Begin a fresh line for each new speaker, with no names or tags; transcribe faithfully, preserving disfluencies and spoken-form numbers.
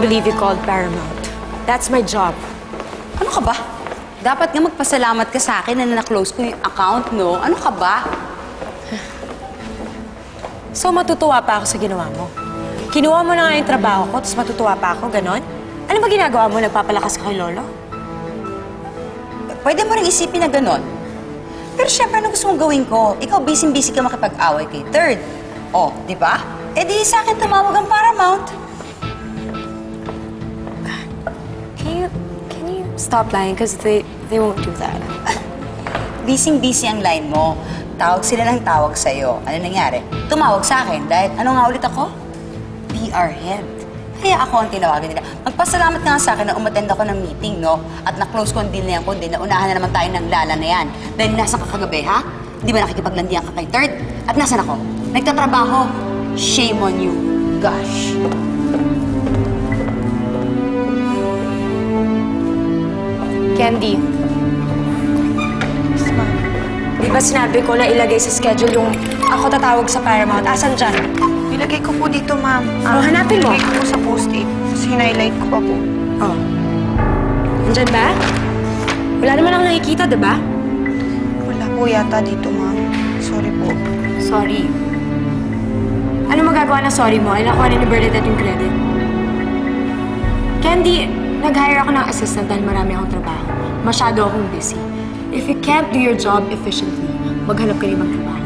believe you called Paramount. That's my job.
Ano ka ba? Dapat nga magpasalamat ka sa akin na na-close ko yung account, no? Ano ka ba?
So, matutuwa pa ako sa ginawa mo. Kinuha mo na nga yung trabaho ko, tapos matutuwa pa ako, ganon? Ano ba ginagawa mo? Nagpapalakas ka kay Lolo?
Pwede mo rin isipin na ganon. Pero syempre, ano gusto mong gawin ko? Ikaw, busy-busy ka makipag-away kay Third. Oh, di ba? Eh di sa akin tumawag ang Paramount.
Can you, can you stop lying? Because they, they won't do that.
Busy-busy ang line mo. Tawag sila ng tawag sa'yo. Ano nangyari? Tumawag sa akin dahil ano nga ulit ako? P R head. Kaya ako ang tinawagan nila. Magpasalamat ka nga sa akin na umattend ako ng meeting, no? At na-close ko ang deal na yan, kundi naunahan na naman tayo ng lala na yan. Dahil nasa ka kagabi, ha? Di ba nakikipaglandian ka kay Third? At nasan ako? Nagtatrabaho. Shame on you. Gosh.
Candy. Yes, ma'am. Di ba sinabi ko na ilagay sa schedule yung ako tatawag sa Paramount? Asan dyan?
Nilagay ko po dito, ma'am.
Oh, hanapin mo.
Nilagay ko po sa post-it. Tapos hinighlight ko pa po.
Oh. Nandyan ba? Wala naman akong nakikita, di ba?
Wala po yata dito, ma'am. Sorry po.
Sorry. Ano magagawa na sorry mo? Ay nakuha ni Bernadette yung credit. Candy, nag-hire ako ng assistant dahil marami akong trabaho. Masyado akong busy. If you can't do your job efficiently, maghanap ka rin ng trabaho.